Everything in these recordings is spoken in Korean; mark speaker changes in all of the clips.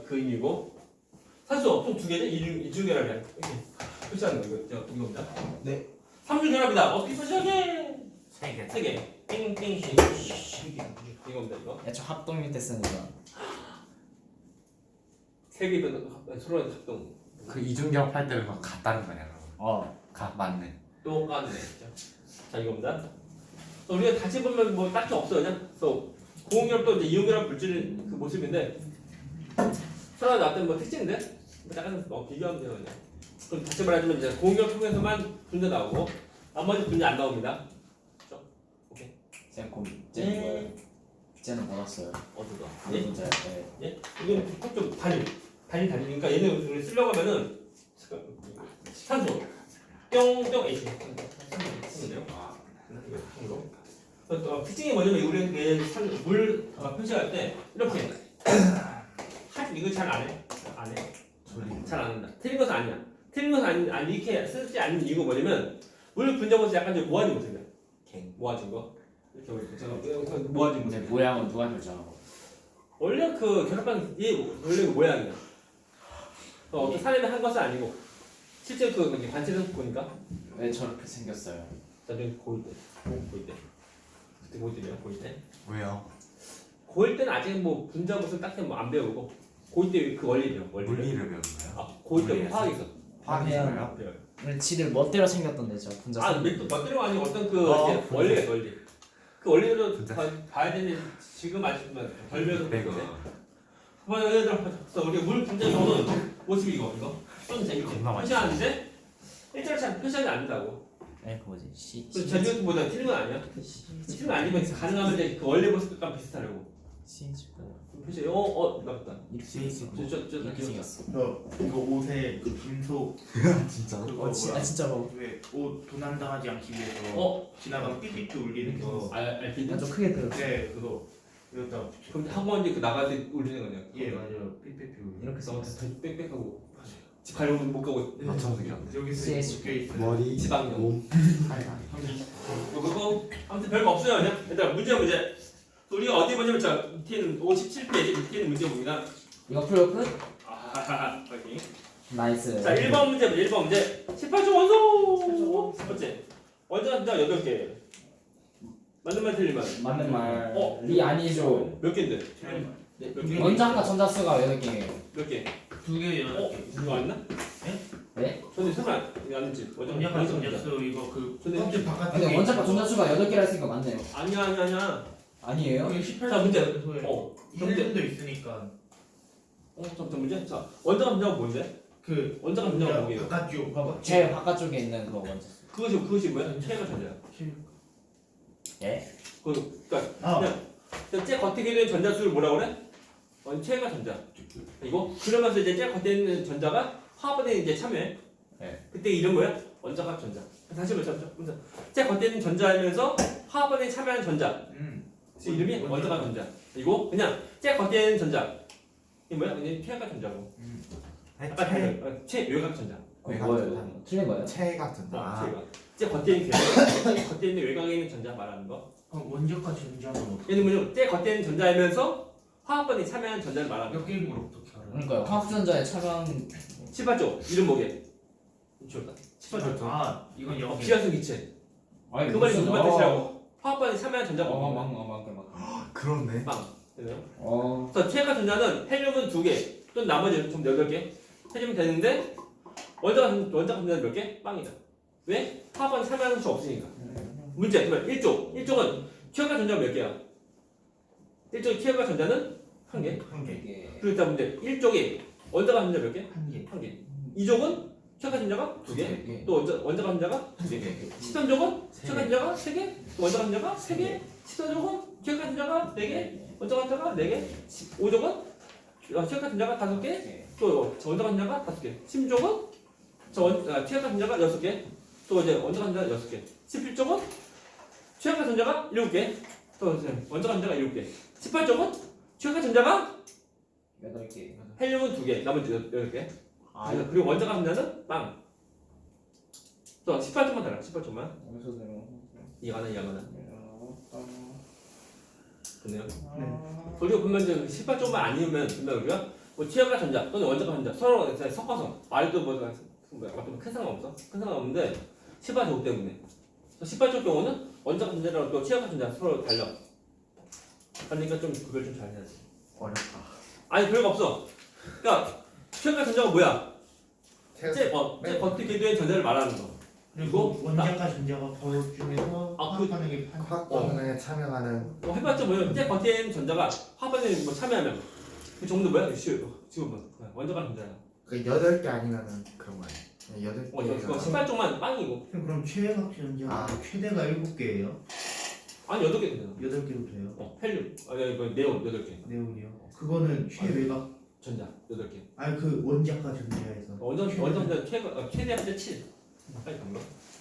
Speaker 1: 그 의미고 산소 총 두 개죠? 이중결합이야. 이렇게 표시하는 거 이겁니다.
Speaker 2: 네.
Speaker 1: 삼중결합이다. 어떻게 표시하게?
Speaker 3: 세 개.
Speaker 1: 세 개. 땡땡 이겁니다 이거.
Speaker 2: 애초 합동일 때 쓰는 거.
Speaker 1: 세 개면 서로 작동.
Speaker 3: 그 이중결합 할 때는 같다는 거냐 그럼. 맞네.
Speaker 1: 똑같네. 자 이겁니다. 우리가 다시 보면 뭐 딱히 없어요. 그냥 그래서 고응결합도 이제 이용결합 물질 그 모습인데 서로 나왔던 뭐 특징인데 약간 비교하면 돼요. 그냥. 그럼 다시 말하자면 이제 고응결합 통해서만 분자 나오고 나머지 분자 안 나옵니다. 그렇죠? 오케이.
Speaker 2: 쌤 쟤는 뭐예요? 쟤는 받았어요.
Speaker 1: 어디가?
Speaker 2: 네.
Speaker 1: 예?
Speaker 2: 문제. 네.
Speaker 1: 예? 이건 좀 다니니까 얘는 우리 쓰려고 하면은 산소 뿅뿅 H 산소네요. 특징이 뭐냐면 우리 물 표시할 때 이렇게 이거 잘 안 해. 잘 안 한다. 틀린 것은 아니야. 틀린 것은 아니 이렇게 쓰지 않는 이유가 뭐냐면 물 분자보다 약간 좀 모아진 모습이야. 모아진 거. 이렇게 모아진 모습.
Speaker 2: 모양은 누가 결정하고?
Speaker 1: 원래 그 결합방 이 원래 그 모양이야. 어떤 사람이 한 것은 아니고 실제 그 관찰해서 보니까
Speaker 2: 왜 저렇게 생겼어요?
Speaker 1: 나중에 고일 때, 그때 고일 때.
Speaker 3: 왜요?
Speaker 1: 고일 때는 아직 뭐 분자 무슨 딱히 뭐 안 배우고 고일 때 그 원리래요.
Speaker 3: 물리를 배우는 거예요?
Speaker 1: 아 고일 때 화학 있어.
Speaker 3: 화학이에요?
Speaker 1: 배워요.
Speaker 2: 근데 지들 멋대로 생겼던데 저 분자.
Speaker 1: 멋대로 아니 어떤 그 원리가 원리. 그 원리를 봐야 되는데 지금 아시면 덜 배워서
Speaker 3: 배고.
Speaker 1: 예를 들어 우리 물 분자 경우는 모습이 이거 좀 재밌게
Speaker 3: 겁나
Speaker 1: 표시하는데 일자로 잘 표시하지 않는다고.
Speaker 2: 네, 그 뭐지? 시.
Speaker 1: 전류보다 틀린 건 아니야. 틀린 건 아니면 가능하면 이제 그 원래 모습과 비슷하려고. 표시 나왔다.
Speaker 2: 이렇게 생겼어.
Speaker 4: 이거 옷에 그 금속
Speaker 3: 진짜?
Speaker 4: 그거
Speaker 2: 진짜로.
Speaker 4: 왜옷 도난당하지 않기 위해서 지나가면 삐삐삐 울리는 거.
Speaker 1: 알피드?
Speaker 2: 좀 크게 들어.
Speaker 4: 네 그거 여기다 붙여.
Speaker 1: 그럼 학원이 그 나갈 때 울리는 거냐?
Speaker 4: 예 맞아요 삐삐삐 울리는
Speaker 2: 이렇게 생겼어.
Speaker 1: 빽빽하고 집 가려면 못 가고
Speaker 3: 맞춰서 생겼네.
Speaker 4: 거. 여기서
Speaker 2: CS.
Speaker 4: 묶여 있어요.
Speaker 5: 머리,
Speaker 1: 지방령.
Speaker 5: 몸.
Speaker 1: 그거 아무튼 별거 없어요 그냥. 일단 문제. 우리가 어디 보냐면 자 밑에는 57페이지 밑에는 문제 봅니다.
Speaker 2: 이거 풀고 끝?
Speaker 1: 확인.
Speaker 2: 나이스.
Speaker 1: 자 1번 문제 1번 문제 18조 원소 첫 번째 원자 분자 8개 맞는 말 틀리면
Speaker 2: 맞는 말. 리 아니죠.
Speaker 1: 몇 개인데?
Speaker 4: 네,
Speaker 1: 몇 개?
Speaker 2: 원자과 전자수가 8개예요.
Speaker 1: 몇 개?
Speaker 4: 두개
Speaker 1: 이거 안 나?
Speaker 2: 네?
Speaker 1: 근데 설마 이거 안 됐지?
Speaker 4: 원자가 전자수 이거 그
Speaker 1: 근데
Speaker 4: 껍질 바깥에
Speaker 2: 근데 원자과 전자수가 8개라 했으니까 맞네요.
Speaker 1: 아니야
Speaker 2: 아니에요?
Speaker 4: 여기 18.
Speaker 1: 자 문제
Speaker 4: 문제 도 있으니까
Speaker 1: 잠깐 문제 자 원자가 분자가 뭔데?
Speaker 4: 그
Speaker 1: 원자가 분자가 뭐예요?
Speaker 4: 바깥쪽 봐봐.
Speaker 2: 제일 바깥쪽에 있는 그 원자수.
Speaker 1: 그것이 뭐야? 체가 전자야
Speaker 2: 예?
Speaker 1: 그러니까 그냥 제 겉에 있는 전자수를 뭐라 그래? 체가 전자 이거 그러면서 이제 제 겉에 있는 전자가 화합에 이제 참여해
Speaker 2: 네.
Speaker 1: 그때 이름 뭐야? 원자합 전자 다시 말해서 제 겉에 있는 전자이면서 화합에 참여하는 전자 그 이름이 원자합 전자 이거 그냥 제 겉에 있는 전자 이 뭐야? 그냥 최외각 전자고 최외각 전자
Speaker 2: 뭐예요? 틀린 거예요?
Speaker 5: 체 같은 거.
Speaker 1: 최외각 제 겉에 있는 제 겉에 있는 외곽에 있는 전자 말하는 거
Speaker 4: 원자과 전자는 어떻게
Speaker 1: 얘는 뭐냐면 제 겉에 있는 전자이면서 화합번에 참여하는 전자를 말하는 거
Speaker 4: 몇 개인 걸 어떻게 알아?
Speaker 2: 그러니까요. 화학전자에 차가운
Speaker 1: 18조 이름 뭐게? 이쪽다 18조
Speaker 4: 아 이건 영어.
Speaker 1: 비활성 기체
Speaker 2: 아니
Speaker 1: 그 말이 무슨 뜻이라고? 화합번에 참여하는 전자
Speaker 2: 맞네.
Speaker 5: 그렇네.
Speaker 1: 빵 되나요?
Speaker 2: 어.
Speaker 1: 그래서 최가 전자는 헬륨은 2개 또 나머지 좀 8개 해주면 되는데 원자가 전자는 몇 개? 빵이다 왜? 화합번에 참여하는 수 없으니까 문제 그러면 1쪽은 최가 전자가 몇 개야? 1쪽 최가 전자는 1개
Speaker 4: 한 개.
Speaker 2: 이게
Speaker 1: 그렇다 문제 1쪽이 원자가 전자 몇 개?
Speaker 4: 한 개.
Speaker 1: 1개 2쪽은 최가 전자가 2개
Speaker 2: 개.
Speaker 1: 또 원자가 전자가 2개 13쪽은 최가 전자가 3개 또 원자가 전자가 3개 14쪽은 최가 전자가 4개 원자가 전자가 4개 15쪽은 최가 전자가 5개 또 원자가 전자가 5개 16쪽은 최가 전자가 6개 또 이제 원자가 전자가 6개 17쪽은 최가 전자가 7개 또 이제 원자가 전자가 7개 18쪽은 최가 전자가
Speaker 2: 8개.
Speaker 1: 헬륨은 2개 나머지 8개
Speaker 2: 아,
Speaker 1: 그리고 원자가 전자는 빵 또 18쪽만 달라 18쪽만 이해가나 됐네요
Speaker 4: 네.
Speaker 1: 우리가 보면 이제 18쪽만 아니면 우리가 뭐 최약과 전자 또는 원자과 전자 서로 이제 섞어서 말도 뭐가 어떤 큰 상관 없어? 큰 상관 없는데 10바 제곱 때문에 10바 제곱 경우는 원자과 전자랑 또 최약과 전자 서로 달려. 그러니까 좀 구별 좀 잘 해야지.
Speaker 2: 어렵다.
Speaker 1: 아니 별거 없어. 그러니까 최약과 전자가 뭐야? 제 버티 궤도의 전자를 말하는 거.
Speaker 4: 그리고 원자과 전자가 그 중에서
Speaker 1: 아,
Speaker 4: 화학하는 게
Speaker 5: 화학 반응에 참여하는
Speaker 1: 해봤자 뭐야? 제 버티엔 전자가 화반에 뭐 참여하면 그 정도 뭐야? 쉬워요. 지금 뭐 원자과 전자야.
Speaker 5: 그 8개 아니면은 그런 거 아니야? 8개.
Speaker 1: 이거 18쪽만 빵이고.
Speaker 4: 그럼 최외각 전자가 최대가 7개예요?
Speaker 1: 아니 8개 된다.
Speaker 4: 8개로 돼요?
Speaker 1: 헬륨. 아니 이거 네온 8개.
Speaker 4: 네온이요? 그거는 최외각
Speaker 1: 전자 8개.
Speaker 4: 아니 그 원자과 전자에서
Speaker 1: 원전 전자 최대 한자 7. 빨리 담가.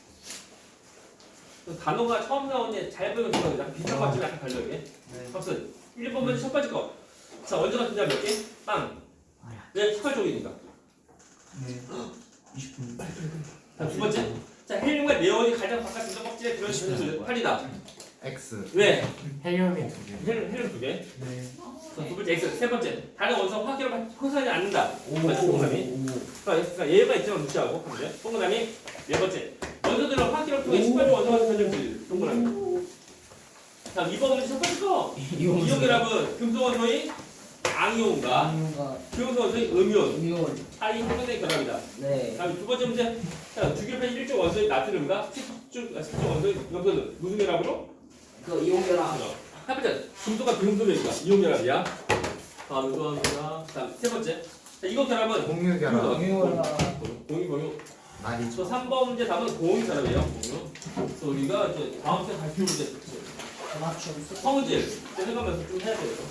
Speaker 1: 단어가 처음 나오는데 잘 배우는 거 약간 비슷한 것 같지만 약간 달려 이게. 박스 1번 먼저 첫 번째 거. 자 원자과 전자 몇 개? 빵. 왜 18쪽이니까.
Speaker 4: 네 20분
Speaker 1: 자, 두 번째. 자, 헬륨과 네온이 가장 바깥 전자 껍질에 들어있는 8이다.
Speaker 5: X.
Speaker 1: 왜?
Speaker 3: 헬륨이 2개.
Speaker 1: 헬륨 2개.
Speaker 4: 네
Speaker 1: 자, 두 번째 X. 세 번째. 다른 원소 화학계로 형성하지 않는다. 동그라미. 그러니까 얘가 있지만 무시하고. 근데 동그라미. 네 번째. 원소들은 화학계로 통해 18조 원소가 전염될 동그라미. 자, 이번 문제 첫 번째 거. 이온결합은 금속 원소의 양이온과 금속 원소의 음이온 사이 형성된 결합이다.
Speaker 6: 네.
Speaker 1: 다음 두 번째 문제. 자, 주기율 1조 원소의 나트륨과 10조 원소의 염소는 무슨 결합으로?
Speaker 6: 그 이온결합.
Speaker 1: 첫 번째, 금속과 금속이니까 이온 결합이야. 다음 이거입니다. 다음 세 번째. 자, 이거 결합은
Speaker 5: 공유 결합.
Speaker 1: 공유.
Speaker 5: 많이
Speaker 1: 저 3번 문제 답은 공유 결합이에요. 공유. 그래서 우리가 이제 다음 주에 발표 문제
Speaker 6: 맞춤.
Speaker 1: 성질 생각하면서 좀 해야 돼요.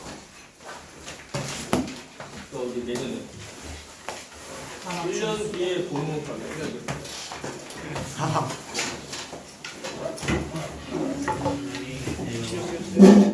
Speaker 1: 또 이제 내년에 1년 뒤에 보는 거
Speaker 5: 사학.